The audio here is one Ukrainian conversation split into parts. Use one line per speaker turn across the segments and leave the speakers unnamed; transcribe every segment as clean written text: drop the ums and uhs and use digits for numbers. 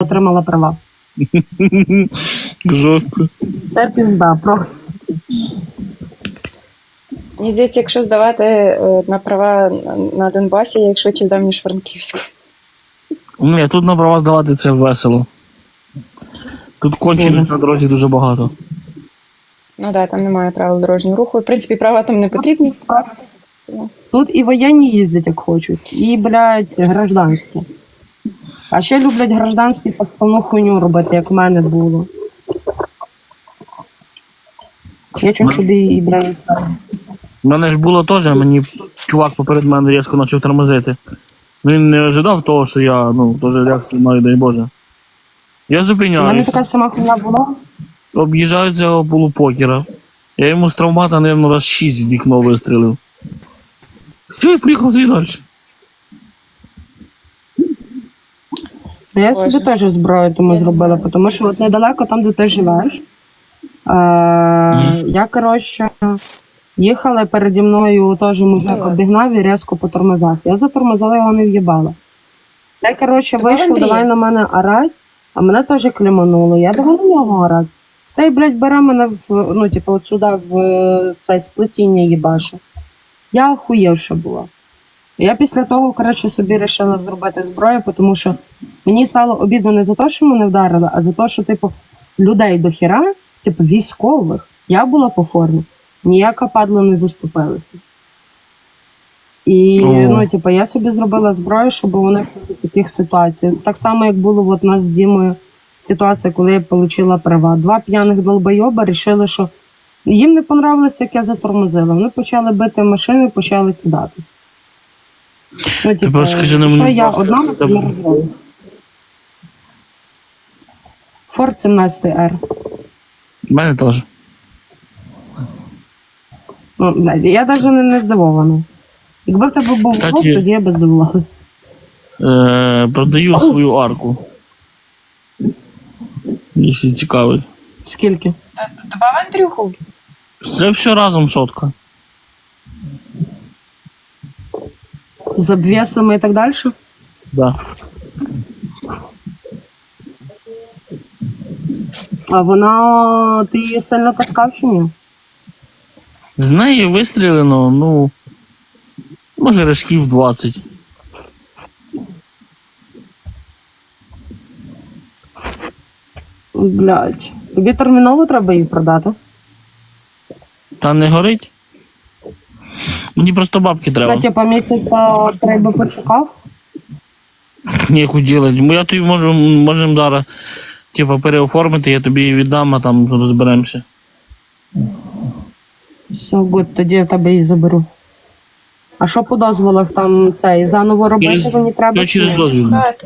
отримала права.
Жорстко.
Це пізда, просто.
Мені здається, якщо здавати на права на Донбасі, я їх швидше здам, ніж Франківську.
Ні, тут на права здавати це весело. Тут кончених на дорозі дуже багато.
Ну так, там немає правил дорожнього руху. В принципі, права там не потрібні.
Тут і воєнні їздять, як хочуть, і, блядь, гражданські. А ще люблять гражданські подставну хуйню робити, як в мене було. Я чому собі і брали.
У мене ж було теж, мені чувак поперед мене різко почав тормозити. Він не ожидав того, що я, теж реакцію маю, дай Боже. Я
У мене
зупиняюся,
така сама хуйня була.
об'їжджаю цього полупокера. Я йому з травмата, мабуть, раз 6 в вікно вистрілив. Все, і приїхав собі далі.
Я собі теж зброю тому зробила, тому що от недалеко там, де ти живеш. Я, коротше, їхала переді мною, теж мужик обігнав і різко потормозав. Я затормозила, його не в'їбала. Я, коротше, вийшов, давай на мене орать, а мене теж клімануло. Я давай на нього орать. Цей, блядь, бере мене от сюди, в це сплетіння їбаше. Я охуєвша була. Я після того, коротше, собі вирішила зробити зброю, тому що мені стало обідно не за те, що мене вдарили, а за те, що, людей до хіра, військових, я була по формі, ніяка падла не заступилася. І, я собі зробила зброю, щоб у них таких ситуацій. Так само, як було у нас з Дімою ситуація, коли я отримала права. 2 п'яних долбойоба вирішили, що їм не понравилося, як я затормозила. Вони почали бити машини, почали кидатися.
Ти просто скажи на
що
мені,
я одна не розумію. Форд 17 R.
У мене теж.
Я навіть не здивована. Якби в тебе був Форд, тоді я б здивувалася.
Продаю свою арку. Якщо цікавить.
Скільки?
Добав Андрюху.
Це все разом сотка.
З обвесами і так далі?
Да.
А вона... Ти її сильно таскав чи ні?
З неї вистрілено, може, рожків 20.
Блядь. Тобі терміново треба її продати?
Та не горить? Мені просто бабки треба.
Та, місяця треба почекав?
Ніяку ділить. Я тобі можемо зараз переоформити, я тобі її віддам, а там розберемося.
Все, гуд, тоді я тебе її заберу. А що по дозволах там заново робити мені треба?
Що через дозвіл?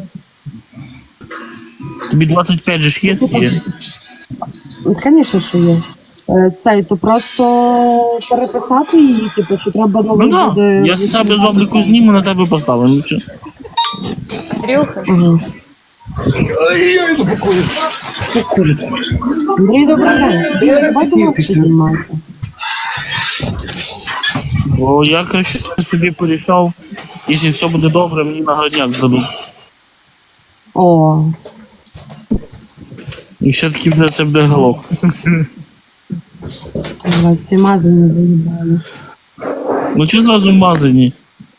Тобі 25 же ж є? Є.
Звісно, що є. То просто переписати її, чи треба новий буде...
Я з себе з обліку зніму, на тебе поставлю.
Андрюха.
Ай-яй, покурить.
Андрій, добрий день. Давай думати, що знімається.
Бо я, коротше, собі порішав, якщо все буде добре, мені нагодняк дадуть.
О.
І все-таки це буде голок.
Ці мазані заїбали.
Чи зразу мазані?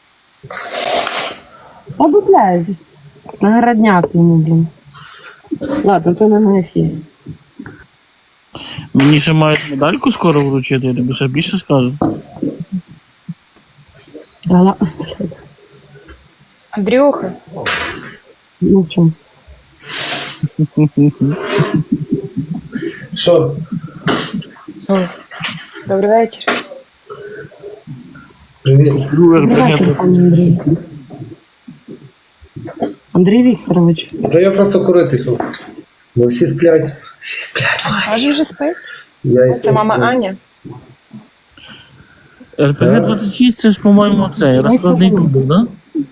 Та, блядь. Нагородняк йому, блін. Ладно, то не на ефірі.
Мені ще мають медальку скоро вручити, я тобі ще більше скажу.
Андрюха.
Ну, в чому?
Що?
Добрий вечір.
Привіт.
Андрій. Андрій Вікторович.
Та я просто курити йшов. Бо всі сплять. Всі сплять.
Аж вже спить?
Я
Це мама Аня.
РПГ-26 це ж, по-моєму, розкладний тубус, да?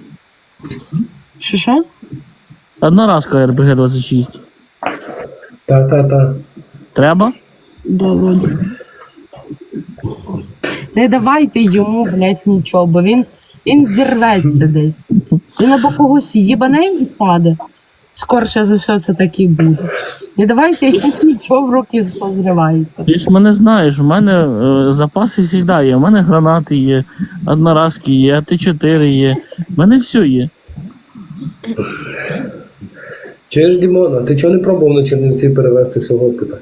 Що?
Одноразка РПГ-26.
Та.
Треба?
Добре. Не давайте йому, блядь, нічого, бо він зірветься десь. Він або когось їбане і паде, скорше за все це так і буде. І давайте нічого в руки зривається.
Ти ж мене знаєш, у мене запаси завжди є. У мене гранати є, одноразки є, АТ-4 є. У мене все є.
Чуєш, Дімон, а ти чого не пробував на Чернівці перевестися в госпіталь?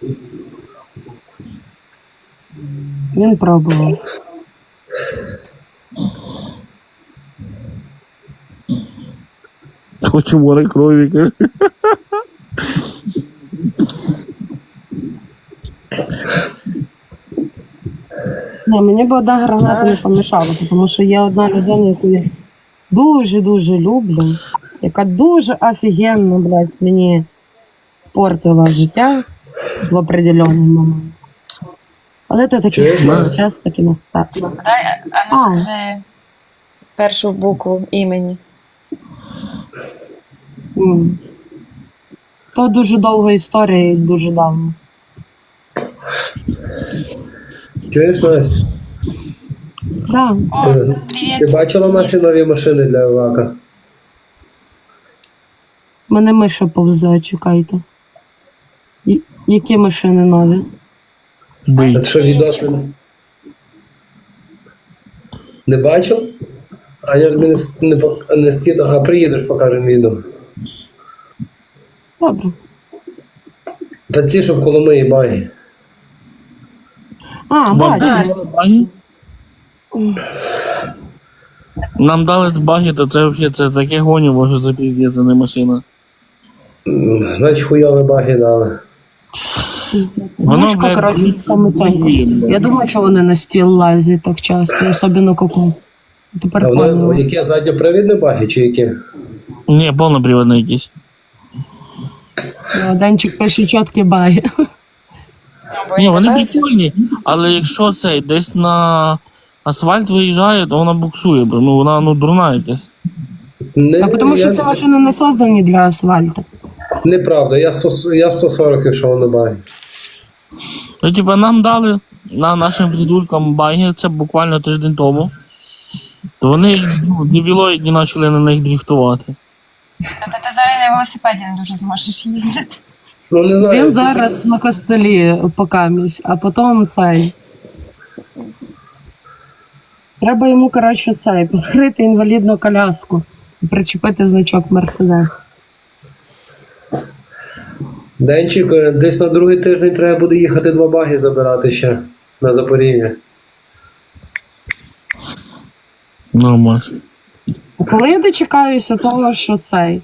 Він пробував.
Хочу море крові, каже.
Ні, мені б одна граната не помішала, тому що є одна людина, яку я дуже-дуже люблю, яка дуже офігенно, блядь, мені спортила життя в определенний момент. Але то такий
Чуєш нас?
час таки настав.
Дай, а ну скажи першу букву імені.
То дуже довга історія і дуже давно.
Чуєш, Настя?
Да.
Ти бачила наші нові машини для Лака?
Мене миша повзе, чекайте. Які машини нові?
Бий.
А ти що, відос не бачив? А я тобі не скидав, а приїдеш, покажемо відео.
Добре.
Та ті, що в Коломиї баги.
А,
Вам
бачу.
дали баги? Нам дали баги, то це взагалі це таке гоніво, що це піздець, а не машина.
Значить, хуйові баги дали.
Воно,
Мишка,
блядь,
коротше, саме це.
працює, блядь.
Я думаю, що вони на стіл лазять так часто, особливо коку. Тепер
А воно,
поняла.
яке задньопривідне баги чи яке?
Ні, повноприводний якийсь.
Денчик пише чіткі баги.
Ні, вони прикольні, але якщо це десь на асфальт виїжджає, то вона буксує, бо ну вона дурна якась.
А тому що ці машини не создані для асфальту.
Неправда, я 140 йшов на баги.
Ну, типа, нам дали на нашим придуркам баги, це буквально тиждень тому. То вони дебілоїдні почали на них дріфтувати.
Та ти зараз на велосипеді не дуже зможеш їздити.
Ну, не знаю.
Він зараз на костелі покамість, а потім цей. Треба йому, коротше, цей, підкрити інвалідну коляску і причепити значок Мерседес.
Денчик, десь на другий тиждень треба буде їхати 2 баги забирати ще на Запоріжжя.
Нормально.
А коли я дочекаюся того, що цей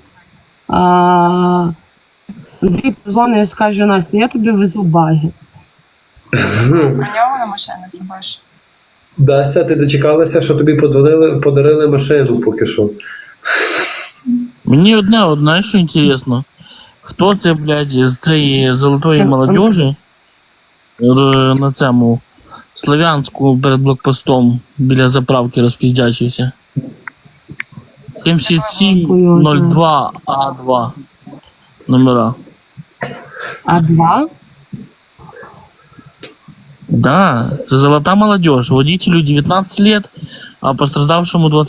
Андрій позвонить і скаже: Настя, я тобі везу баги.
Про нього на машинах хібаш.
Дася, ти дочекалася, що тобі подарили машину поки що.
Мені одне, що інтересно. Хто це, блядь, з цієї золотої молодежі на цьому Слов'янську перед блокпостом біля заправки розпіздячився? 7702 А2 номера.
А2?
Да, це золота молодежь. Водителю 19 лет, а пострадавшему 20.